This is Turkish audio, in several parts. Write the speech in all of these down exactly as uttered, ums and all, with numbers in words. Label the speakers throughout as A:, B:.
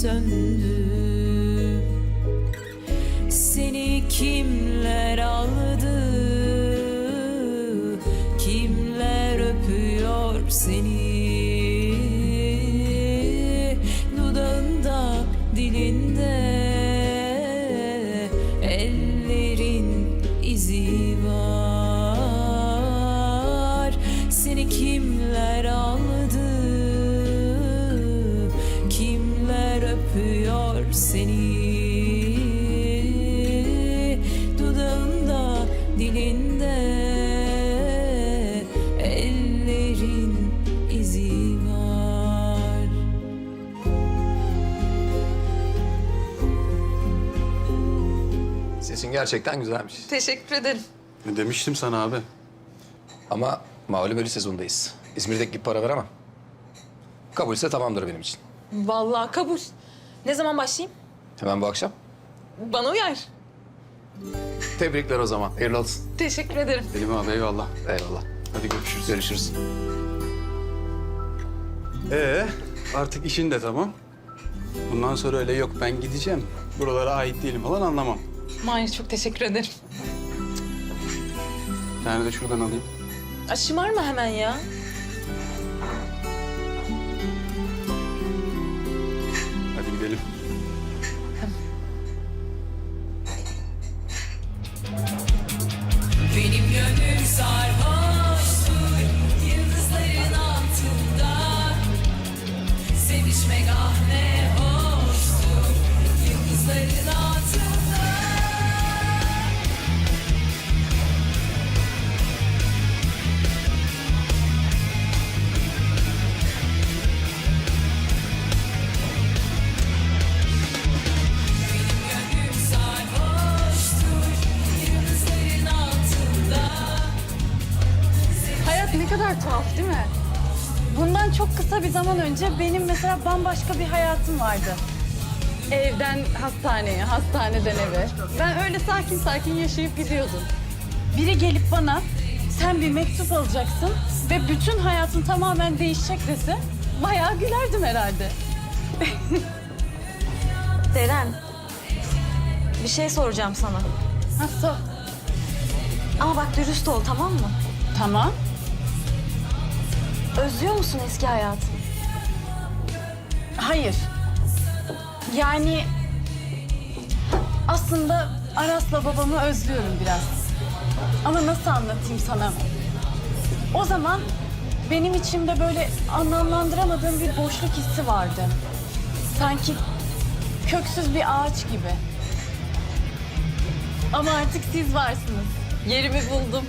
A: söndü. Seni kimler aldı, kimler öpüyor seni? Dudağında, dilinde ellerin izi var. Seni kimler aldı, kimler öpüyor seni? Dudağında, dilinde ellerin izi var.
B: Sesin gerçekten güzelmiş.
C: Teşekkür ederim.
D: Ne demiştim sana abi?
B: Ama malum ölü sezondayız. İzmir'deki gibi para veremem. Kabulse tamamdır benim için.
C: Vallahi kabul. Ne zaman başlayayım?
B: Hemen bu akşam.
C: Bana uyar.
B: Tebrikler o zaman. Hayırlı olsun.
C: Teşekkür ederim.
D: Selim abi eyvallah.
B: Eyvallah.
D: Hadi görüşürüz.
B: Görüşürüz.
D: Ee, artık işin de tamam. Bundan sonra öyle yok ben gideceğim, buralara ait değilim falan anlamam.
C: Mahir çok teşekkür ederim.
D: Bir tane de şuradan alayım.
C: Ay, şımarma hemen ya.
D: Hadi gidelim.
A: Benim gönlüm sarhoştur yıldızların altında. Sevişmek ah ne hoştur yıldızların altında. Benim gönlüm sarhoştur yıldızların altında.
E: Hayat ne kadar tuhaf değil mi? Bundan çok kısa bir zaman önce benim mesela bambaşka bir hayatım vardı. Evden hastaneye, hastaneden eve. Ben öyle sakin sakin yaşayıp gidiyordum. Biri gelip bana sen bir mektup alacaksın ve bütün hayatın tamamen değişecek dese bayağı gülerdim herhalde.
F: Deren, bir şey soracağım sana.
E: Nasıl?
F: Ama bak dürüst ol, tamam mı?
E: Tamam.
F: Özlüyor musun eski hayatını?
E: Hayır. Yani aslında Aras'la babamı özlüyorum biraz. Ama nasıl anlatayım sana? O zaman benim içimde böyle anlamlandıramadığım bir boşluk hissi vardı. Sanki köksüz bir ağaç gibi. Ama artık siz varsınız. Yerimi buldum.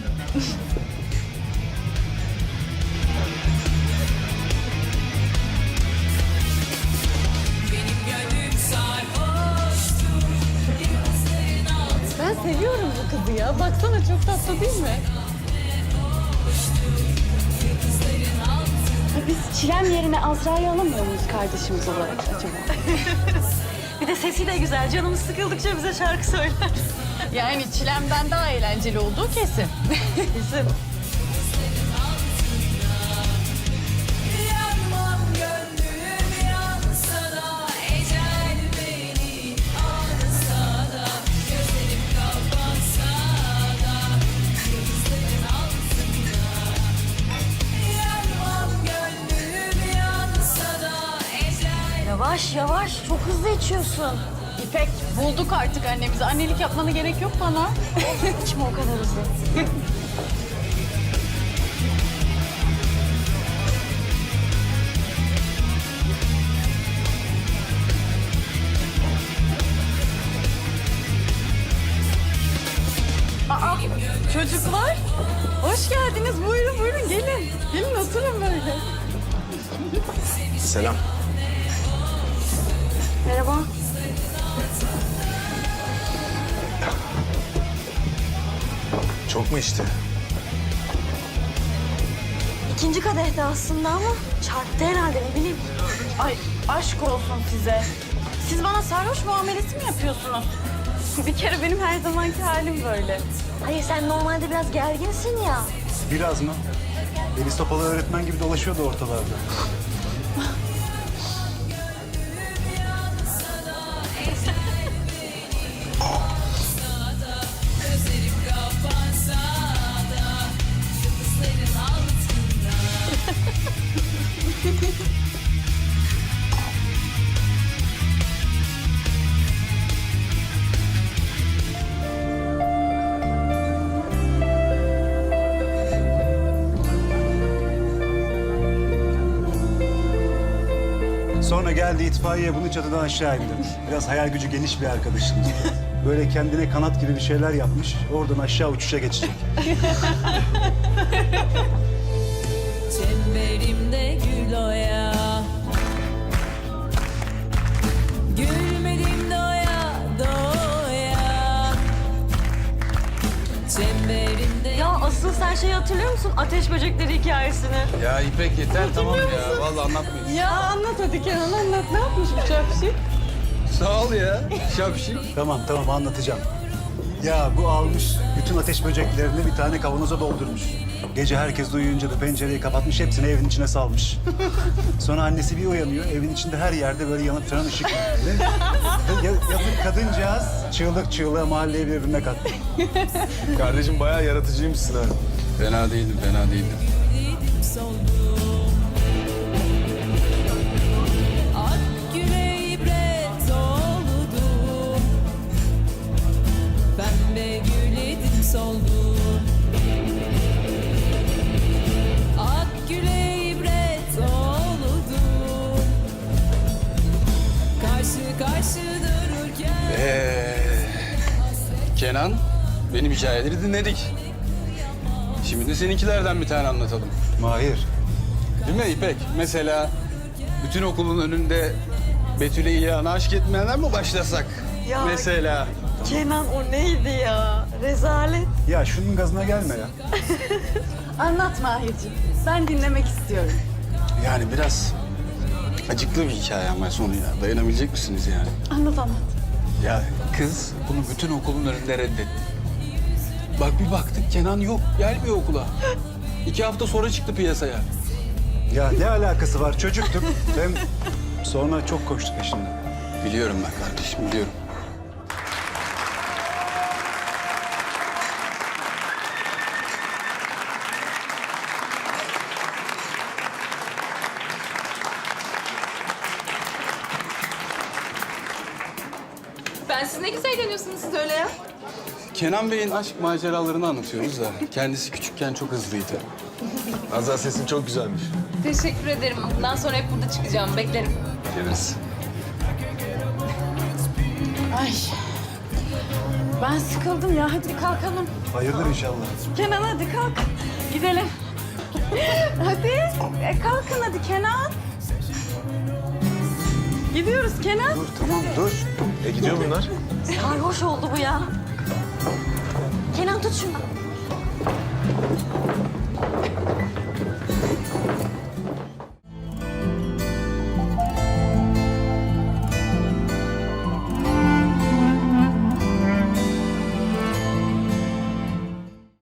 A: Benim gönlüm sarhoştur yıldızların altında.
E: Ben seviyorum bu kızı ya. Baksana çok tatlı değil mi? Ya biz Çilem yerine Azra'yı alamıyor muyuz kardeşimiz olarak acaba?
F: Bir de sesi de güzel. Canımız sıkıldıkça bize şarkı söyler.
E: Yani Çilem'den daha eğlenceli olduğu kesin.
F: Kesin.
A: Yanmam gönlüm yansa da ecel beni alsa da gözlerim kapansa da yıldızların altında. Yanmam gönlüm yansa da ecel.
F: Yavaş yavaş, çok hızlı içiyorsun.
E: İpek bulduk artık annemizi. Annelik yapmana gerek yok bana.
F: İçme o kadar hızlı.
E: Aa, çocuklar. Hoş geldiniz. Buyurun buyurun gelin. Gelin oturun böyle.
B: Selam.
F: Merhaba.
B: Çok mu içti?
F: İkinci kadehte aslında ama çarptı herhalde, ne bileyim.
E: Ay aşk olsun size. Siz bana sarhoş muamelesi mi yapıyorsunuz? Bir kere benim her zamanki halim böyle.
F: Hayır, sen normalde biraz gerginsin ya.
G: Biraz mı? Deniz Topalı öğretmen gibi dolaşıyordu ortalarda. Sonra geldi itfaiye bunu çatıdan aşağı indirdi. Biraz hayal gücü geniş bir arkadaşımız. Böyle kendine kanat gibi bir şeyler yapmış. Oradan aşağı uçuşa geçecek.
A: Çemberimde gül oya, gülmedim doya doya. Çemberimde
F: Ya asıl sen şeyi hatırlıyor musun? Ateş böcekleri hikayesini.
D: Ya İpek yeter tamam ya. Vallahi anlatmayayım.
E: Ya anlat hadi Kenan anlat. Ne yapmış bu çarpışık?
D: Sağ ol ya. Şapşik.
G: Tamam tamam anlatacağım. Ya bu almış bütün ateş böceklerini bir tane kavanoza doldurmuş. Gece herkes uyuyunca da pencereyi kapatmış, hepsini evin içine salmış. Sonra annesi bir uyanıyor, evin içinde her yerde böyle yanıp sönen ışık var. Ve ya- yazık kadıncağız çığlık çığlığa mahalleyi birbirine kattı.
H: Kardeşim bayağı yaratıcıymışsın ha.
D: Fena değildim, fena değildim.
A: gülüm soldum. Ak güle ibret oldum. Pembe gül edim soldum. Ak güle ibret oldum. Karşı karşı dururken
D: Ee, Kenan, benim hikayeleri dinledik. Şimdi de seninkilerden bir tane anlatalım.
G: Mahir,
D: Değil mi İpek? Mesela bütün okulun önünde Betül'e İlhan'a aşk etmeden mi başlasak?
F: Ya.
D: Mesela.
F: Kenan o neydi ya? Rezalet.
G: ya şunun gazına gelme ya.
E: Anlat Mahir'ciğim. Ben dinlemek istiyorum.
D: Yani biraz acıklı bir hikaye ama sonu ya. Dayanabilecek misiniz yani?
E: Anlat anlat.
D: Ya kız bunu bütün okulun önünde reddetti. Bak bir baktık Kenan yok, gelmiyor okula. İki hafta sonra çıktı piyasaya.
G: Ya ne alakası var çocuktuk. Hem sonra çok koştu peşinden.
D: Biliyorum ben kardeşim, biliyorum.
C: Ben siz ne güzel eğleniyorsunuz siz öyle ya.
D: Kenan Bey'in aşk maceralarını anlatıyoruz da kendisi küçükken çok hızlıydı.
H: Azra sesin çok güzelmiş.
C: Teşekkür ederim. Bundan sonra hep burada çıkacağım. Beklerim.
D: Geliriz.
E: Ay. Ben sıkıldım ya. Hadi kalkalım.
G: Hayırdır inşallah.
E: Kenan hadi kalk. Gidelim. Hadi. E, kalkın hadi Kenan. Gidiyoruz Kenan.
G: Dur tamam dur.
H: E gidiyor bunlar.
F: Sarhoş oldu bu ya. Kenan tut şunu.